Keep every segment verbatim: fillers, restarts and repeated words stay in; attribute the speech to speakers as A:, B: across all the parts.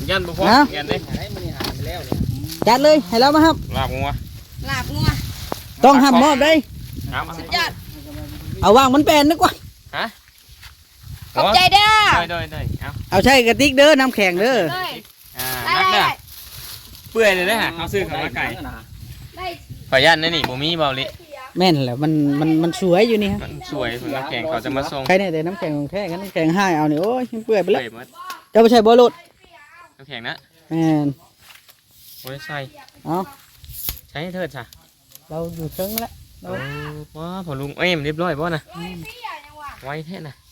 A: ยันบ่พอยันเลย
B: จัดเลยให้เรามาครับ
A: ลาบงัว
C: ลาบงัว
B: ต้องห้ามมอบได้
C: สุดยอด
B: เอาวางมันแปลนนึกว่า
A: ฮะ
C: ขอบใจเด้อ
A: ได้ได้เอา
B: เอาใช่กระติกเด้อน้ำแข็งเด้อ
A: อ่านักเด้อเปื่อยเลยนะฮะเขาซื้อข้าวไก่ขอยันนี่นี่บ่มีเบาลิ
B: แม่นแหละมันมันมันสวยอยู่นี่ฮะ
A: มันสวยน้ำแข็งเขาจะมาส่ง
B: ใครเนี่ยแต่น้ำแข็งของแท้กันน้ำแข็งให้เอาเนี่ยโอ้ยเปื่อยไปแล้วจะไปใช้บอลลูน
A: น้ำแข็งนะ
B: แม่น
A: โอ้ยใช่
B: เอา
A: ใช้เถิดจ้ะ
B: เราอยู่เชิงแล้ว
A: โอ้ว้าพอลุงเอ้ยมันเรียบร้อยป่ะนะไว้แท้นะ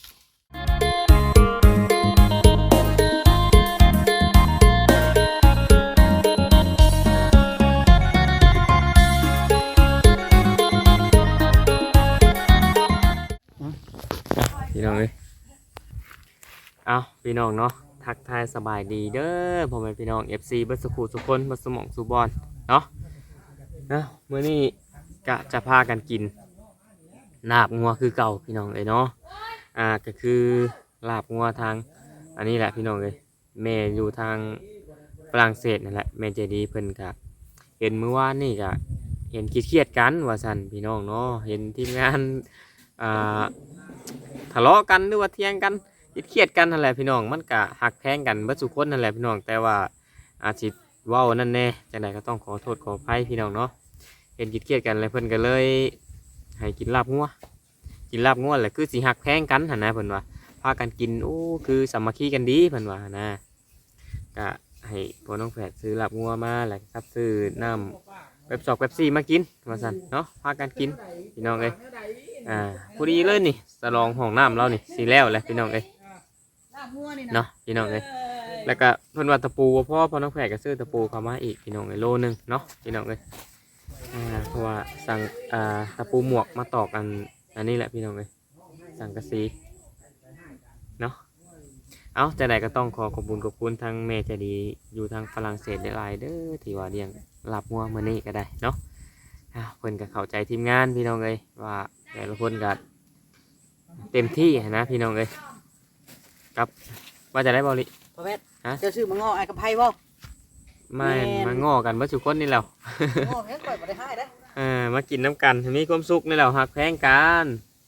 A: พี่น้องเลยเอาพี่น้องเนาะทักทายสบายดีเด้อพ่อแม่พี่น้อง เอฟ ซี เบิร์ดสกูสุกคนเบิร์ดสมองสุบอลเนาะนะเมื่อนี้กะจะพากันกินลาบงัวคือเก่าพี่น้องเลยเนาะอ่าก็คือลาบงัวทางอันนี้แหละพี่น้องเลยแม่อยู่ทางฝรั่งเศสนั่นแหละแม่ใจดีเพิ่นกะเห็นเมื่อวานนี่กะเห็นคิดเครียดกันว่าสันพี่น้องเนาะเห็นทีมงานอ่าทะเลาะกันหรือว่าเถียงกันคิดเครียดกันนั่นแหละพี่น้องมันกะหักแพงกันเบิดสุคนนั่นแหละพี่น้องแต่ว่าอาชีพว้าวนั่นแน่จังไดก็ต้องขอโทษขออภัยพี่น้องเนาะเห็นคิดเครียดกันเลยเพิ่นก็เลยให้กินลาบงัวกินลาบงัวแหละคือสิหักแพงกันหั่นนะเพิ่นว่าพากันกินโอ้คือสามัคคีกันดีเพิ่นว่านะก็ให้พ่อน้องแฝดซื้อลาบงัวมาแหละครับซื้อน้ำเว็บสอกเว็บซี่มากินว่าซั่นเนาะพากันกินพี่น้องเอ้ยอ่าพอดีเลยนี่สลองห้องน้ำเรานี่สีแล้วแหละพี่น้องเอ้ยเนาะพี่น้องเอ้ยแล้วก็เพิ่นว่าตะปูพ่อพ่อน้องแฝดก็ซื้อตะปูเข้ามาอีกพี่น้องเอ้ยโลนึงเนาะพี่น้องเอ้ยอ่าเพราะว่าสั่งอ่าตะปูหมวกมาตอกอันอันนี้แหละพี่น้องเอ้ยสั่งกระสีเนาะเอาแต่ใดก็ต้องขอขอบคุณขอบคุณทางแม่ใจดีอยู่ทางฝรั่งเศสได้หลายเด้อที่ว่าเลี้ยงลาบงัวมื้อนี้ก็ได้เนาะเพิ่นก็เข้าใจทีมงานพี่น้องเอ้ยว่าแต่ละคนก็เต็มที่นะพี่น้องเอ้ยครับว่าจะได้บอลิ
B: พ่อแม่ฮะจะซื้อมางอไอ้กระไพบ่
A: ไม่มาง้อกันเมื่อสุกคนนี่แล้ว
B: ง้อแค่ก่อยบ่ได้ให้เด้อ
A: อ่ามากินน้ำกันมีความสุขนี่แล้วหักแพงกัน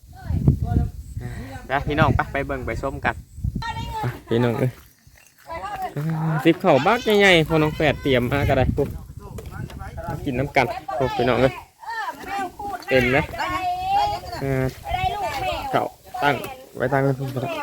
A: นะพี่น้องไปไปเบิ่งไปชมกันพี่น้องเอ้ยสิบเข่าบักใหญ่ๆพอน้องแฝดเตรียมมาก็ได้ปุ๊บกินน้ำกันปุ๊บพี่น้องเอ้ยเต็มนะเข่าตั้งไว้ตั้งกันทุกคน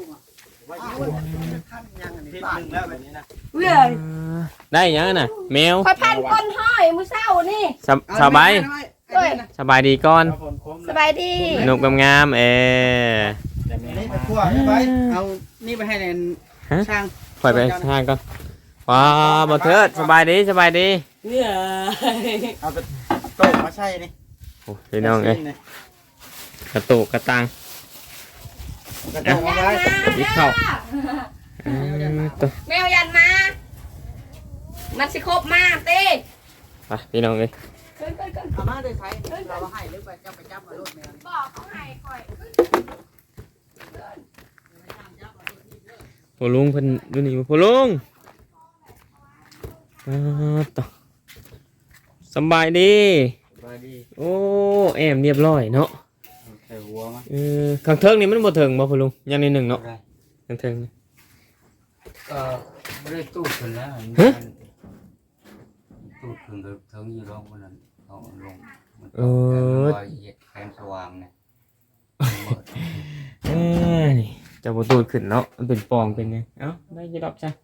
A: ได้ยังน่ะแมว
C: คอยพันก้นห้อยมือเศร้านี่
A: สบายสบายดีก่อน
C: สบายดี
A: นุกงามๆเออ
B: เอานี่ไปให้ในช่าง
A: ปล่อยไปช่างก่อนว้าบอเทิดสบายดีสบายดี
B: เนี่ยเอาไปโต๊ะมาใช่นี่
A: โอ้พี่น้องเอ้ยกระตุกกระตัง
B: กระตุกมาไว้
A: ยิบเข้า
C: แมวยันมามันสิครบมาเต้
A: ไปพี่น้องเลย
B: เอามาด้วยใช้เราให้หรือไปจับไปจับมาลูกแมว
C: บอกเขาให้คอย
A: พ่อลุงเพิ่นดูนี่พ่อลุงต่อสบายดีโอ้แอมเรียบร้อยเนาะเออข้างเทิงนี่มันบ่ถึงบ่พ่อลุงยังนิดหนึ่งเนาะข้างเทิง
D: เออไม่ได้ตู้ขึ้นแล้วตู้ขึ้นกับเทิงยี่ร้องมันนั่นเขาลงมันตกแต่เหยียดแขนสว่างเนี่ย
A: เออนี่จะบ่ตูดขึ้นเนาะมันเป็นปองเป็นไงเอ้าได้ยี่ดอกจ้ะ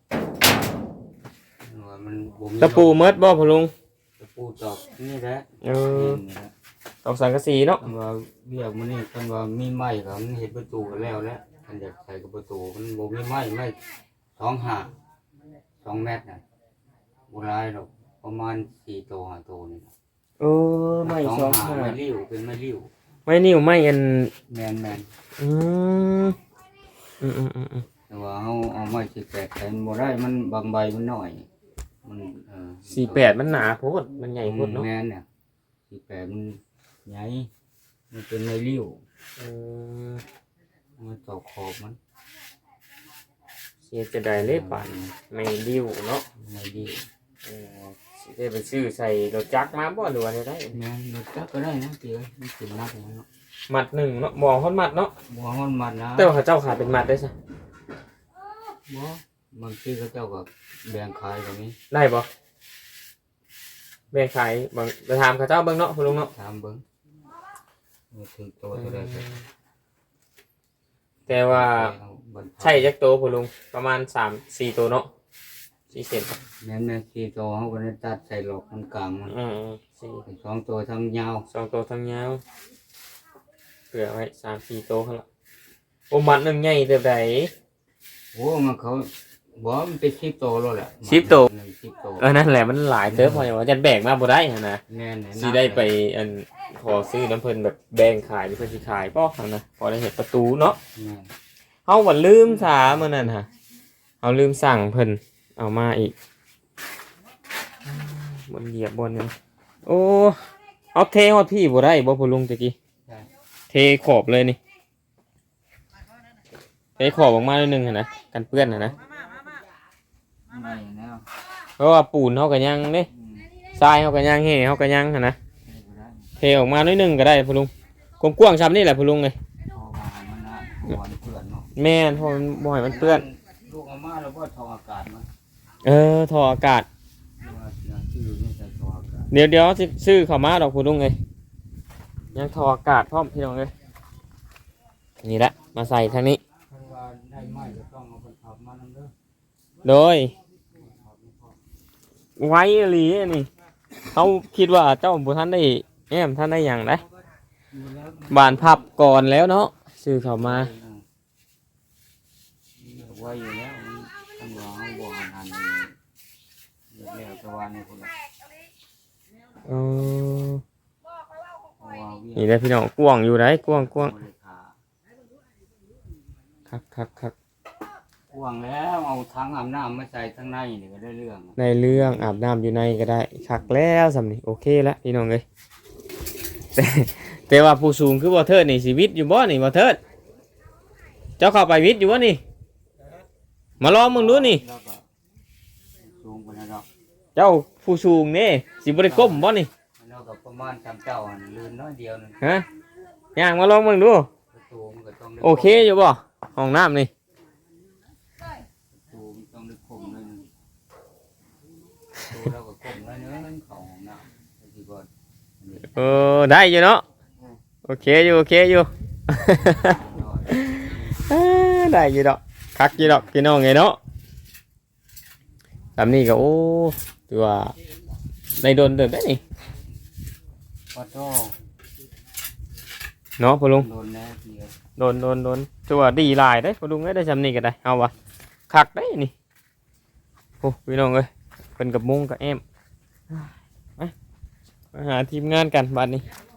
A: ตะปูเมิดบ่พ่อลุง
D: ตะปูตอกนี่แหละ
A: เออตอกสังกะสีเนาะ
D: ว่าเบี้ยมันนี่คันว่ามีไม้เขาเห็นประตูกันแล้วแล้วคันอยากใส่กับประตูมันบ่มีไม้ไม้สองห้าสองเมตรน่ะโบราณหรอกประมาณสี่ตัวห้าตัวนี่
A: เออไม่สองห้า
D: ไม่ริ้วเป็นไม่ริ้ว
A: ไม่นิ่วไม่อัน
D: แมนแมน
A: อืมอืมอืมอืม
D: แต่ว่าเอาเอาไม้สี่แปดแต่โบราณมันบางใบมันหน่อยมันเออ
A: สี่แปดมันหนาโพดมันใหญ่โพดเนาะ
D: แมนเนี่ยสี่แปดมันใหญ่มันเป็นไม่ริ้วเออมันตอกขอบมัน
A: สเฮ็ดจะได้เลยป่านไม่ดิ้วเนาะ
D: ไม่ดี
A: เออสิได้ไปซื้อใส่รถจักรมาบ่หรือว่าได้
D: แม่นรถจักรก็ได้นะเตี้ยมันถึงนักแล้วเนาะ
A: มัดหนึ่งเนาะมองฮอดมัดเนาะ
D: บ่มันมันนะ
A: แต่ว่าเขาเจ้าขายเป็นมัดได้ซะ
D: บ่บางทีเขาเจ้าก็แบ่งขายก็มี
A: ได้บ่แบ่งขายบางไปถามเขาเจ้าเบิ่งเนาะคุณลุงเนาะ
D: ถามเบิ่งว่าถึงตัวเท่าใดก็
A: แต่ว่า
D: เอาบรรทัด
A: ใช่จักโตคุณลุงประมาณสามสี่ตัวเนาะสี่เซน
D: แม่นแม่สี่ตัวเฮาก็ได้ตัดใส่หลอกมันกลางมัน
A: อืมสี่
D: สองตัวทั้งยาว
A: สองตัวทั้งยาวเผื่อไว้สามสี่ตัวเขาละโอ้มัดหนึ่งใหญ่เท่าใด
D: โอ้มันเขาบ่มันเป็นสิบตัวแล้วแหละ
A: สิบตัว
D: หนึ่งสิบตัว
A: เออนั่นแหละมันหลายเติบพออย่างว่าจะแบ่งมาบ่ได้หั่นนะ
D: แม่นแหละ
A: สิได้ไปอันขอซื้อน้ำเพิ่นแบบแบ่งขายหรือเพิ่นสิขายบ่หั่นนะพอได้เห็นประตูเนาะ
D: แม่น
A: เฮาบ่ลืมสามื้อนั้นฮะเฮาลืมสั่งเพิ่นเอามาอีกบนเหยียบบนนึงโอ้เอาเทฮอดพี่บ่ได้บ่พ่อลุงตะกี้
D: ใช่
A: เทขอบเลยนี่เทขอบออกมาหน่อยหนึงหั่นนะกันเปื้อนหั่นนะ
D: ไม่แล้ว
A: เพราะว่าปูนเฮาก็ยังเด้
D: อืม
A: ทรายเฮาก็ยังเฮเฮาก็ยังหั่นนะ
D: ไม่ได้
A: เทออกมาหน่อยหนึงก็ได้พ่อลุงกว้างๆซ้ำนี่แหละพ่อลุงเอ้ย
D: เพราะว่ามันน่ะหัวมันเปื้อนเนาะ
A: แม่นเพราะมันบ่ให้มันเปื้อน
D: ลูกเอามาแล้วบ่ทออากาศมัน
A: เออท่ออากาศ
D: ว่าอย่างที่อยู่นี่ใส่ทออากาศ
A: เดี๋ยวเดี๋ยวสิซื้อเข้ามาดอกพ่อลุงเอ้ยยังท่ออากาศพร้อมพี่น้องเอ้ยนี่แหละมาใส่ทางนี้
D: เพราะว่าได้ไม้ก็ต้องเอาไปขับมานำเด้อ
A: โดยไว้อีหลีอันนี่เขาคิดว่าเจ้าบุท่านได้แอมท่านได้อย่างไร
D: มีแล้ว
A: บานพับก่อนแล้วเนาะซื้อเข้ามา
D: ไว้อยู่แล้วมันมันว่าเฮาบ่หันหันเดี๋ยวแล้วแต่ว่านี่พุ่นน่ะ
A: เออ
D: เพราะว่าเวีย
A: นี่แหละพี่น้องกว้างอยู่ไรกว้างกว้าง
D: บ่ได้ขา
A: คักคักคัก
D: กว้างแล้วเอาถังอาบน้ำมาใส่ข้างในนี่ก็ได้เรื่อง
A: ในเรื่องอาบน้ำอยู่ในก็ได้คักแล้วสำนี่โอเคแล้วพี่น้องเลยแต่แต่ว่าผู้สูงคือบ่เทิดนี่ชีวิตอยู่บ่นี่บ่เทิดเจ้าเข้าไปวิทย์อยู่บ่นี่มาลองมึงดูนี่
D: แล้วก็สูงกว่านั้นดอก
A: เจ้าผู้สูงนี่สิบ่ได้ก้มบ่นี่
D: แล้วก็ประมาณสามเจ้าหั่นลื่นน้อยเดียวนึง
A: ฮะย่างมาลองมึงดู
D: ประตูมันก็ต้องได้
A: โอเคอยู่บ่ห้องน้ำนี่
D: ประตูมันต้องได้คมหน่อยหนึงประตูแล้วก็คมหน่อยหนึงเข้าห้องน้ำไปที่ก่อนอันนี้
A: เออได้อยู่เนาะโอเคอยู่โอเคอยู่
D: น้อย
A: เอ้อได้อยู่ดอกคักอยู่ดอกพี่น้องไงเนาะลำนี้ก็โอ้ถือว่าในโดนเดินได้นี่
D: ปะโต
A: เนาะพ่อลุง
D: โดนแน่ทีเดียว
A: โดนโดนโดนถือว่าดีหลายได้พ่อลุงได้ได้จำนี่ก็ได้เอาวะคักได้นี่โอ้พี่น้องเอ้ยเป็นกับมุ้งกับแอมมามาหาทีมงานกันบัดนี้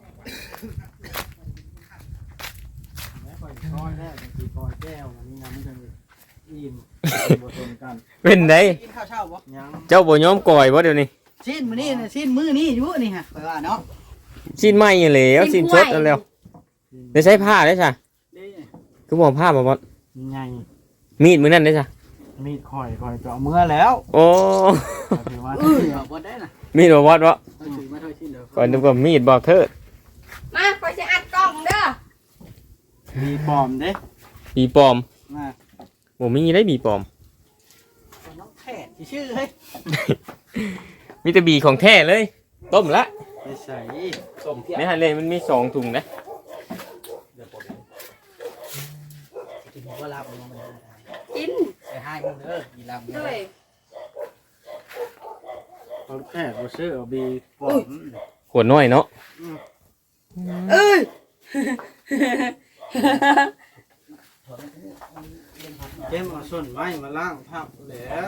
B: คอยคอยแล้วบางทีคอยแก้วมีน้ำมันจะอิ่มบ่ตรงกัน
A: เป็นได
B: กินข้าวเช้าบ่ยัง
A: เจ้าบ่ยอมก่อยบ่เดี๋ยวนี้
B: ชิ้นมื้อนี้น่ะชิ้นมื้อนี้อยู่นี่ฮะข่อยว่าเนาะ
A: สิ้นไหมอยู่แล้วสิ้นชดเอาแล้วได้ใช้ผ้าได้จ้ะ
B: เด้
A: คือบอกผ้าบ่บ่
B: ใหญ่
A: มีดมือนั่นได้จ้ะ
B: มีดข่อยข่อยก็เอาเมื่อแล้ว
A: โอ้
B: ถือว่าบ่ได้น่ะ
A: มีดบ่วอดบ่
B: ถือมาเท่าชิ้นเด้อ
A: ก่อนดูว่ามีดบอกเธอ
C: มาคอยจะอัดกล้องเด้อ
B: มีปลอมเด้
A: บีปลอม
B: มา
A: บ่มีได้บีปลอม
B: น้องแพทย์ชื่อเฮ้ย
A: มีแต่บีของแท้เลย ต้มละ
B: ไปใส่
A: ต้มในฮันเลยมันมีสองถุงนะ
B: กินบ่รับมันบ่ได้
C: กิน
B: ไปให้มึงเด้อกีรับ
C: ด้วย
B: น้องแพทย์บ่ซื้อเอาบีปลอม
A: ขวดน้อยเนาะ
C: เอ้ย
B: เก็บเอาส่วนไม้มาล้างภาพแล้ว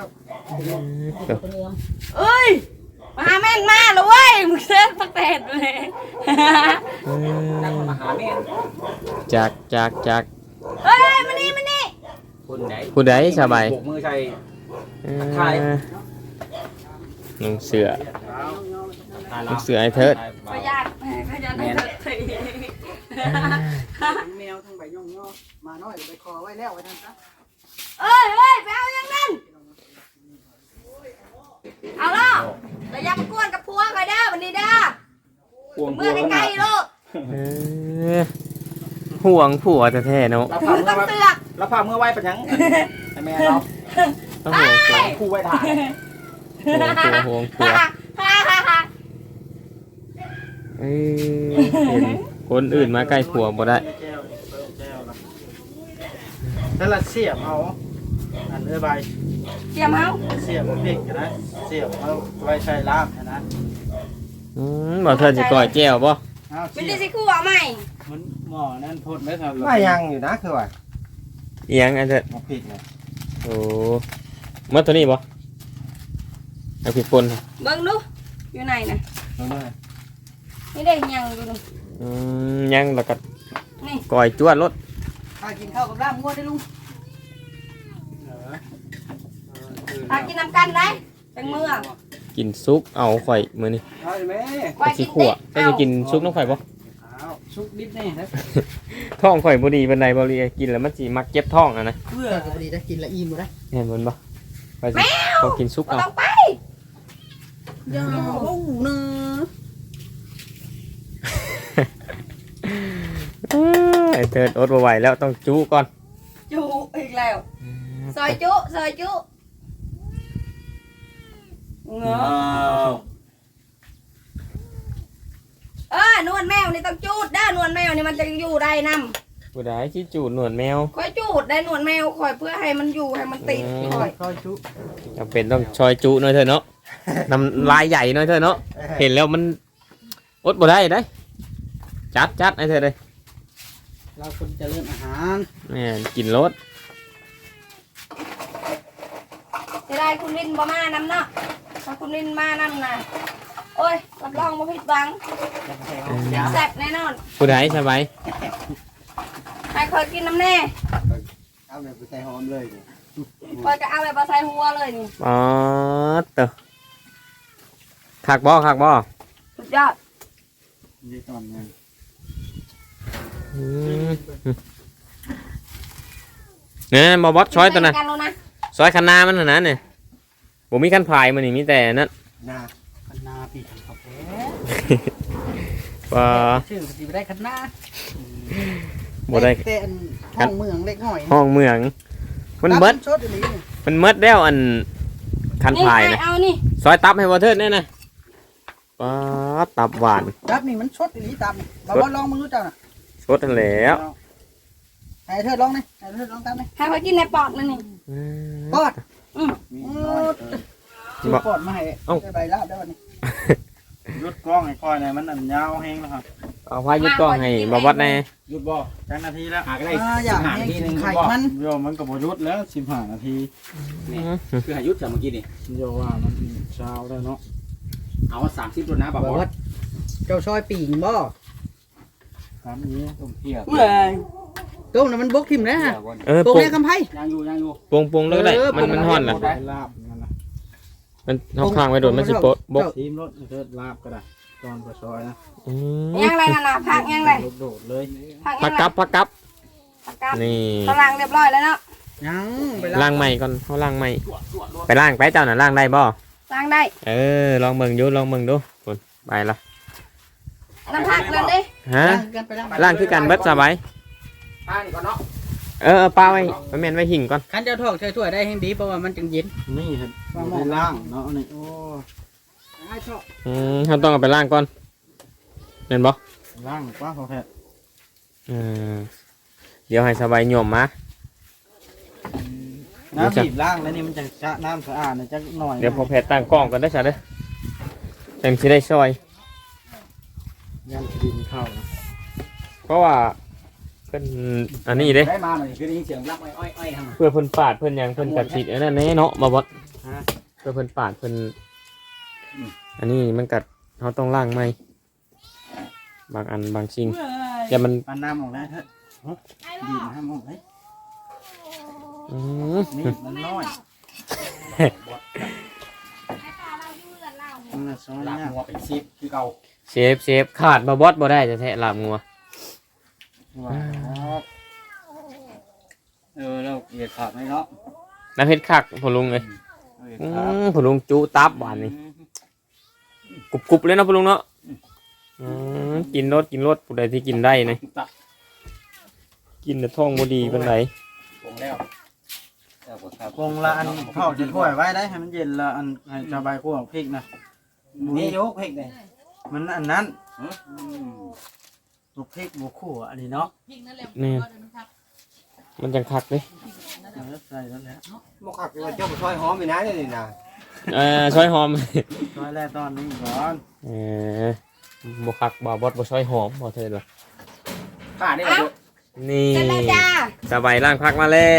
C: เอ้ยมาหาแม่นมาเลยเว้ยมึงเส้นประเทศเลย
D: มาหาแม่
A: จากจากจาก
C: เฮ้ยมานี่มานี่
D: คนไหน
A: ผู้ใดสบาย
D: โบกมือใส่
A: เออนุ่งเสือนุ่งเสือไอ้เทิด
C: ขยันขยันให้เธอที
B: แมวทั้งใบย่องๆมาน้อยไปคอไว้แล้วไว้ท่านซะ
C: เอ้ยเอ้ยไปเอาอย่างนั้นเอาล่ะแต่อย่ามากวนกับพัวคอยเด้อวันนี้เด้อ
B: ห่วง
C: เมื่อใกล้ๆลูก
A: เออห่วงผัวแท้ๆเนาะ
B: แล้ว
C: คุ
B: พา
C: ณ
B: เมื่
C: ต้
B: อ
C: อง
B: ไว้
C: เสือก
B: แล้วพาเมื่อไว้ปะยังให้แม่เรา
A: ต้องห่วงผัว
B: คู่ไว้ถ่าย
A: ห่วงผัวห่วงผัว
C: ฮ่าฮ่าฮ่า
A: เอ้ยเห็นคนอื่นมาใกล้ผัวบ่ได้
B: แก้วแก้วละนั่นละเสียบเอาอันเอ้ยใบ
C: เสียมเอา
B: เสียบเอาพริกนะเสียบเอาไว้ใช้ลาบนะ
A: อืมบ่เธอสิก่อยแก้วบ่
B: เอา
C: ไม่
B: เสี
C: ได้
B: ยบ
C: สิคู่เอาใหม่
B: มันหม้อนั่นพ่นได้ครับ
E: ไม่ยังอยู่นะคือว่า
A: เอียงอันเถิด
E: มาผิดเนี่ย
A: โอ้เมื่อตัวนี้บ่เอาผิดป่น
C: เบิ่งดูอยู่ไหนน่ะ
E: รู้ไหม
C: ไม่ได้ยังดูดู
A: อืมยังแล้วก็
C: นี่
A: ก่อยจวดรถ
E: ข้ากินข้าวกับลาบงัวได้ลุง
C: พากินน้ำกันได้จังเมื่อ
A: กินซุปเอาข่อยมื้อนี้
E: เอาไหม
C: ไว้
A: สิ
C: กิน
A: ขั่ว
C: ดิ
A: จะจะกินซุปน้องข่อยบ่
E: เอาชุกดิบนี่นะ
A: ท้องข่อยบ่ดีปานใดบ่เลยกินแล้วมันสิมักเจ็บท้องอ่ะนะ
E: เพื่อกับดีได้กินละอิ่มได้
A: เห็นมันบ่ไปสิพอกินซุป
C: บ่
A: เอา
C: ต้องไป
E: อย่าโอ้เนอะ
A: เอ้ยไอ้เถิดอดบ่ไหวแล้วต้องจู้ก่อน
C: จุอีกแล้วซอยจุซอยจุเงาเออนวลแมวนี่ต้องจูดได้อนวลแมวนี่มันจะอยู่ได้นำ
A: ผู้ใดสิจูดหนวดแมว
C: คอยจูดได้นวลแมวคอยเพื่อให้มันอยู่ให้มันติดคอย
E: ข้าวชุก
A: จำเป็นต้องชอยจูหน่อยเถอะเนาะน้ำลายใหญ่หน่อยเถอะเนาะเห็นแล้วมันอดบ่ได้ได้จัดจัดไอ้เถอะเลย
E: เราคนเจริญอาหาร
A: แม่นกินรส
C: จะได้คุณลินบ่มานำเนาะถ้าคุณลินมานำนะโอ้ยรับรองบ่ผิดหวังแซ่บแน่นอน
A: ผู้ใดสบาย
C: ให้คอยกินน้ำแน่
E: เอาแบบไปใส่หอมเลย
C: คอยก็เอาแบบมาใส่หัวเลยนี่
A: อ๋อเตอคักบ่คักบ่
C: สุดยอด
B: นี่ตอนนี้
A: อืมเนี่ยบ่บอสช้อยตัวนั้น
C: กันแล้วนะ
A: ซอยคันนามันน่ะนะเนี่ยบ่มีคันพายมันนี่มีแต่นั่น
E: นาคันนาปีกครับแ
A: ว่า
E: ชื่อสิไปได้คันนา
A: บ่ได้
E: แต่อันห้องเมืองเล็กน้อย
A: ห้องเมือง มันเบิด
E: ชดอันนี้
A: มันเบิดแล้วอันคัน
C: นี่
A: พาย
C: ไง
A: นะ
C: เอานี่
A: ซอยตับให้บ่เทิดแน่นะว้าตับหวาน
E: รับนี่มันชดอันนี้ตามบ่บ่ลองมึงรู้จักน่ะ
A: สดนั่นแหล้ว
E: ให้เธอลองนี่ให้เธอลองตามนี่
C: ให้คอยกินในปอดมันนี่
E: ปอด
C: อืม
B: มี
E: โอ้
B: น้อย
E: ซื้อปอดมาให้ได้ใบลาบได้วันนี้
B: ยุดกล้องไอ้คอยเนี่ยมันอันยาวแห้งแล้วครับ
A: เอาพายุดกล้องให้บ่บอสแน่
B: ยุดบ่จังนาทีแล้วหาก็ได้
E: อ่าอยากให้กินไข่มัน
B: โยมมันก็บ่ยุดแล้วสิบห้านาที
F: คือหายุทธจากเมื่อกี้นี่
B: โยว่ามันเช้าแล้วเนาะ
F: เอาสามสิบตัวนะบา
E: บบ อ
F: อ
E: ส
F: ส
E: เจ้าซอยปีงบ่
B: ตามนี้
F: ต้มเที่ยว
E: เมื่อยต้มน่ะมันบกทิ่มแล้วฮะ
A: เออ
E: โป่ง
A: ปรุง
E: แม่คำไพ่
F: ยังอยู่ยังอยู่
A: ปรุงปรุงแล้วก็ได้
E: เออ
A: มันมันฮ้อนล่ะ
B: ได้ลาบนั่นนะ
A: มันเฮาข้างไว้โดนมันสิโปะบก
B: ทีมรถเทิดลาบก็ได้ตอนก็ซอยนะ
A: อืม
C: ยังไรกันนะพักยังไร
B: โดดเลย
C: พัก
A: พั
C: ยั
A: ก
C: งไร
A: กับพักกับ
C: พักกับ
A: นี่
C: กำลังเรียบร้อยแล้วเนาะ
E: ยังไป
A: ล้างใหม่ก่อนเฮาล้างใหม่ไปล้างไปเจ้าน่ะล้างได้บ่
C: ล้างได้
A: เออลองเบิ่งอยู่ลองเบิ่งดูพุ่นไปละ
C: น้ำพักเลยดิ
A: ฮะ
E: กันไปล้าง
A: ล้างคือกันเบิดสบาย
F: ป้านี่ก่อนเนาะ
A: เออเอาปลาไว้ไว้แม่นไว้หิ่งก่อน
E: ขันเจ้าทอกใช้ถ้วยได้ให้ดีเพราะว่ามันจึงเย็น
B: นี่เห็นได้ล่างเนาะนี่โอ้
E: ไอ้ชอบ
A: อืมเฮาต้องเอาไปล้างก่อนแม่นบ่
B: ล่างกว่าพอแพทย์
A: เออเดี๋ยวให้สบายโยมมา
B: น้ำบีบล่างแล้วนี่มันจะชะน้ำสะอาดนะจักหน่อย
A: เดี๋ยวพอแพทย์ตั้งกล้องกันได้ซะเด้อจังสิได้ช่วย
B: ยันดินเข้านะ
A: เพราะว่าเป็นอันนี้เด้
F: ได้มาหน่อยคือได้ยินเสียงรับอ้อยอ้อยทาง
A: เพื่อเพิ่นปาดเพิ่นหยังเพิ่นกัดสิอันนั้นแน่เนาะบ่บ่เพื่อเพิ่นปาดเพิ่นอันนี้มันกัดเฮาต้องล้างใหม่บางอันบางสิ่งแต่มัน
B: ปันน้ำออกได้เถอะดินห้ามออกเลย
A: อืม
B: นี่มันน้อยมันน่ะซอย
F: หลับ
B: เนี่ย
F: งัวเป็นซิปคือเก่า
A: เชฟเชฟขาดบ่บอสบ่ได้จะแท้ลาบงัว
B: ว่า
D: เออเราเหยียดขาดไหมเนาะ
A: น้ำเฮ็ดคักพ่อลุงเอ้ยอืมพ่อลุงจุตับหวานนี่กรุบๆเลยเนาะพ่อลุงเนาะอืมกินรสกินรสผู้ใดที่กินได้นี่กินแต่ท้องบ่ดีปานใด
F: ปรุงแล้ว
B: กงละอันเข้าจะถ้วยไว้ได้ให้มันเย็นละอันให้ชาวใบคั่วพริกนะ
F: นี่ยกเพ็กเลย
B: มันอันนั้นลูกพริกบุคั่วอันนี้เนาะ
A: นี่มันจังคักเด้
B: ใส่แล้วแหละ
F: บ่คักว่าเจ้าบ่ซอยหอมอีนะนี่นะ
A: เอ่อซอยหอม
B: ซอยแรกตอนนี้ก่อน
A: เออบ่คักบ่บดบ่ซอยหอมบ่เถิดว่ะ
F: ข้าได้บ่
A: นี่
C: เสร็จแล้วจ้า
A: สบายล่างพักมาแล้ว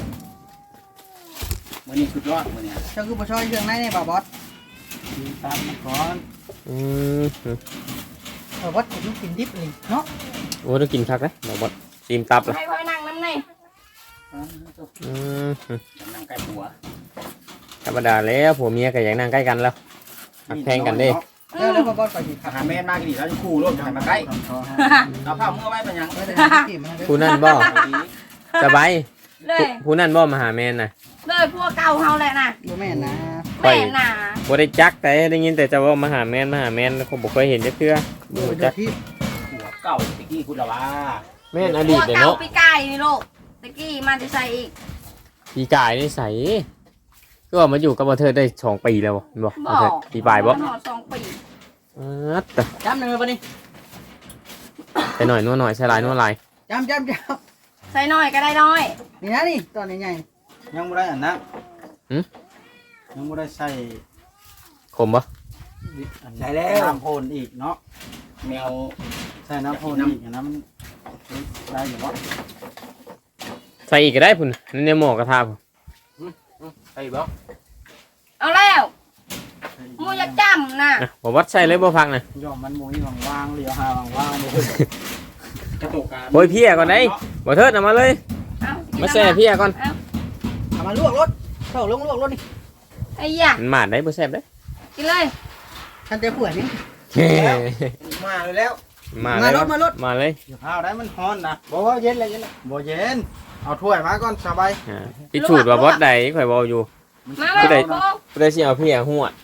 F: มื้อนี้สุดยอดมื้อนี้
E: เจ้าคือบ่ช่วยเครื่องในนี่บ่บอส
B: กินตามมันก่อน
A: อืม
E: บ่บอสกินกินดิบนี่เนาะ
A: โอ้ต้องกินคักเลยบ่บดซีมตับละ
C: ให้คอยนั่งน้ำใน
A: อืม
F: นั่งใกล้หัว
A: ธรรมดาแล้วผัวเมียก็อยากนั่งใกล้กันแล้วหักแพงกันเด้
E: แล้วแล้วบ่บอสไปสิค
F: อา
E: รับ
F: หารแม่นมากนี่แล้วจะคู่ร่วมกันมาใกล้เอาผ้ามือไว้เป็นหยัง
E: ไม่ได้กินมัน
A: ผู้นั่นบ่สบาย
C: เลย
A: ผู้นั่นบ่มาหาแม่นน่ะ
C: เลยพวกเก่าเฮาแหละนะ
E: บ่แม่นนะ
A: ไป
C: แม่น่ะ
A: บ่ได้จักแต่ได้ยินแต่จะว่ามาหาแม่นมาหาแม่นคงบ่เคยเห็นจักเทื่อบ่
E: เดี๋ยว
A: รู้
E: เดี๋
A: จั
E: ย
A: ก
E: วที่
F: หัวเก่าตะกี้คุณละว่า
A: แม่นอ
C: พ
A: ดี
C: ว
A: ต
C: ก
A: เด้
C: เก่า
A: เนาะ
C: ปีไก่นี่ลูกตะกี้มาจะใส่อีก
A: ปีกายนี่ใสก็ว่ามาอยู่กับบ่เธอได้สองปีแล้วบ่บ่บ่เธอปีปลายบ่
C: หอดสองปี
A: อ๋อแต่
E: จำหนึ่งบ่นี่
A: ใส่หน่อยนัวหน่อยใส่หลายนัวหลาย
E: จำจำจ
C: ใส่น้อยก็ได้น้อย
E: ำนี่นะนี่ตอนใหญ่
B: ยังไม่ได้อันนั้นยังไม่ได้ใส่
A: ขมบ่
B: ใส่แล้วน้ำโพนอีกเนาะ
F: แมว
B: ใส่น้ำโพนอีกอันนั้นมันได้อยู่วะ
A: ใส่อีกก็ได้พุ่นนั่นเนี่ยหม้อกระทะพุ่น
F: ใส่บ่
C: เอาแล้วมูอยากจำนะ
A: อ่ะบ่วัดใส่เลยบ่พักน่ะ
B: ย่อมมันมุ้ยว่างๆเหลียวหาว่างๆเลย
F: กระตุกกัน
A: โอ้ยเพี้ยก่อนได้บ่เทิดเอามาเลย
C: เอากิน
A: มาแซ่
C: น้ำ
A: เพี้ยก่อน
C: เอา
E: ๆเอามาลวกรถเข้าลงลวกรถนี่
C: ไอ้ยะ
A: มันหมาดได้บ่แซ่บเด้
C: กินเลย
E: ท่านเจ้าผัวนี่
F: มาเลยแล้ว
A: มา
E: มา
A: เลย
E: รถมารถ
A: มาเลย
B: เดี๋ยวข้าวได้มันฮ้อนนะบอกว่าเย็นเลยเย็นเลยบ่เย็นเอาถ้วยมาก่อนสบาย
A: อ่าพิสูจน์ว่าบอสใดข่อยเว้าอยู่
C: มา
A: ผู้ใด
C: มาโค้ง
A: ผู้ใดสิเอาเพี้ยหัวด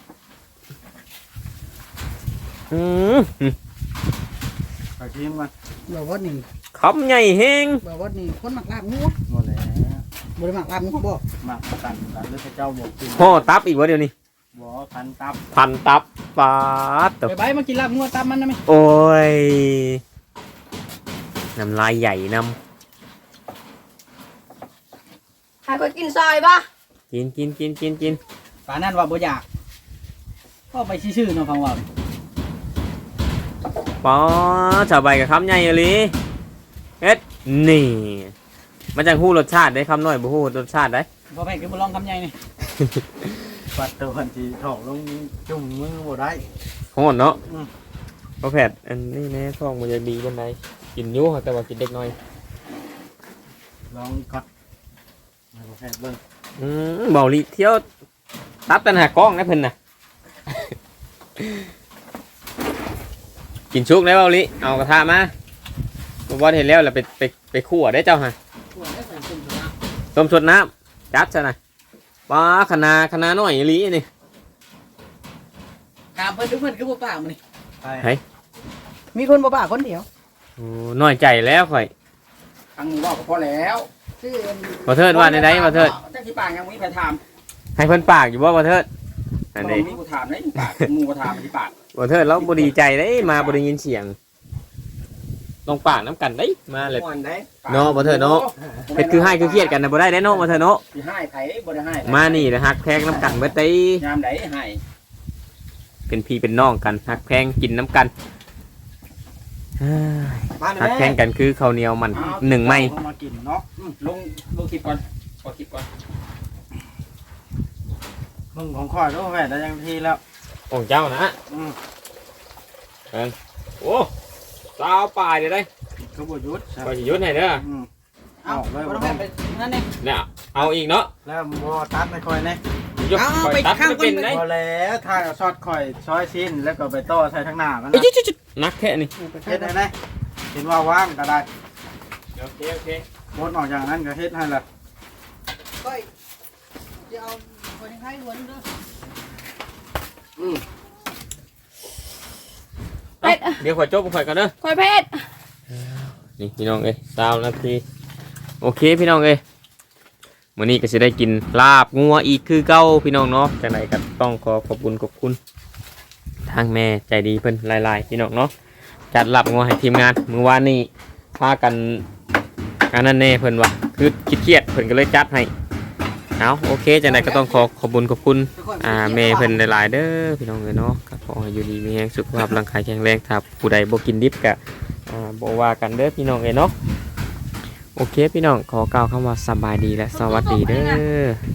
A: อืม
B: ไปชิมกัน
E: บ่บอสนี่
A: คำใหญ่แฮง
E: บ่บอสนี่คนมักลาบงัว
B: หมดแล้ว
E: บ่ได้มักลาบงัวบ่
B: มากันกันหรือพระเจ้าบอกกิน
A: ห่อตับอีกวะเดี๋ยวนี้
B: บ่พันตับ
A: พันตับปาดตบ
E: ไปไปมากินลาบงัวตามมันนะแม่
A: โอ้ยน้ำลายใหญ่น
C: ให้คอยกินซอยป่ะ
A: ำกินกินกินกินกิน
E: ป่านนั้นว่าบ่อยากก็ไปชื่อๆเนาะฟังว่า
A: ปอชาวใบกับคำใหญ่เลยเอ็ดนี่ มันจังฮู้รสชาติได้คำน้อยบ่ฮู้รสชาติได้
E: บ่แม่นคือบ่ลองคำใหญ่นี่
B: ปัดตัวทีถอกลงจุ่มมือบ่ได้
A: ของหมดเนาะ
B: อืม
A: พอแผดอันนี้แน่ท้องมันจะดีกันไหนกินอยุ่งแต่ว่ากินเด็กน้อย
B: ลองก่อนมาแพทย์เบิ่ง
A: อืมเบาลีเที่ยวตับตันหากล้องนะเพิ่นน่ะ กินชุกได้เบาลีเอากระทะมาบ่บ่เห็นแล้วแล้วไปไปไปคั่วได้เจ้าฮะต้มสดน้ำจัดซะนะปลาขนาขนาน้อยอีหลีนี่
E: ถามเพิ่นทุกเพิ่นคือบ่ปากมื้อนี้
B: ไป
A: เฮ้ย
E: มีคนบ่ปากคนเดียว
A: โอ้น้อยใจแล้วข่อย
F: ครั้งนี้ว่าก็พอแล้ว
E: ชื่อ
A: บ่เทิดว่าในใดบ่เทิด
F: จักสิปากยังมีไปถาม
A: ให้เพิ่นปากอยู่บ่บ่เทิดอันนี้
F: มีกูถามได้ปากหมู่ก็ถามสิปาก
A: บ่เทิดแล้วบ่ดีใจเด้มาบ่ได้ยินเสียงลองปากน้ำกันเด้มาเลย
F: ม่วนได้
A: เนาะบ่เถิดเนาะ เฮ็ดคือให้คือเครียดกันน่ะบ่ได้เด้เนาะบ่เทิดเนาะ
F: สิให้ไผบ่ได้ให้ไผ
A: มานี่นะฮักแพงน้ำกันเบิดเด้
F: ยามใดให้
A: เป็นพี่เป็นน้องกันฮักแพงกินน้ำกันเฮ้ย
F: มาเลย
A: ฮักแพงกันคือข้าวเหนียวมันหนึ่งไม้
B: เอามากินเนาะ
F: ลงลงคลิปก่อนขอคลิปก่อน
B: มึงของข่อยด้วยแพทย์ได้ยังทีแล้ว
A: ของเจ้านะ
B: อืม
A: โอ้สาวป่ายเด้ได้
B: คือบ่หยุด
A: ก็สิยุดให้เด้อ
B: อืม
E: เอา
B: เอาเลย
E: บ่
B: บ่
E: ต้อง
B: ได้
E: แม่นไปนั่นนี่
A: เนี่ยเอาอีกเนาะ
B: แล้วบ่ตัดให้ข่อยแน่
A: ยก
E: เอา
A: ข่อย
E: ไป
A: ตัด
E: ข้าง
A: ไม่เป็น
E: บน
A: ได้
B: พอแล้วถ้าเอาซอสข่อยซอยชิ้นแล้วก็ไปต่อใส่ทั้งหน้ามัน
A: เอ้ย
B: นะ
A: จุดๆๆนักแค่นี้
B: เฮ็ดให้แน่เห็นว่าว่างก็ได้
A: โอเคโอเค
B: บดออกอย่างนั้นก็เฮ็ดให้ละ
E: ก้อยจะเอาคนให้หัวนึงเด้อ
C: เป็ด
A: เดี๋ยวข่อยจบข่อยกันเด้อ
C: คอยเพชร
A: นี่พี่น้องเอ้ยสามนาทีโอเคพี่น้องเอ้ยมื้อนี้ก็สิได้กินลาบงัวอีกคือเก่าพี่น้องเนาะจังไดก็ต้องขอขอบคุณขอบคุณทางแม่ใจดีเพิ่นหลายๆพี่น้องเนาะจัดลาบงัวให้ทีมงานมื้อวานนี้พากันอันนั้นแน่เพิ่นว่าคือเครียดๆเพิ่นก็เลยจัดให้เอาโอเคจังไดก็ต้องขอขอบคุณขอบคุณอ่าแม่เพิ่นหลายๆเด้อพี่น้องเอ้ยเนาะก็ขอให้อยู่ดีมีแรงสุขภาพร่างกายแข็งแรงถ้าผู้ใดบ่กินดิบก็อ่าบ่ว่ากันเด้อพี่น้องเอ้ยเนาะโอเคพี่น้องขอกล่าวคำว่าสบายดีและสวัสดีเด้อ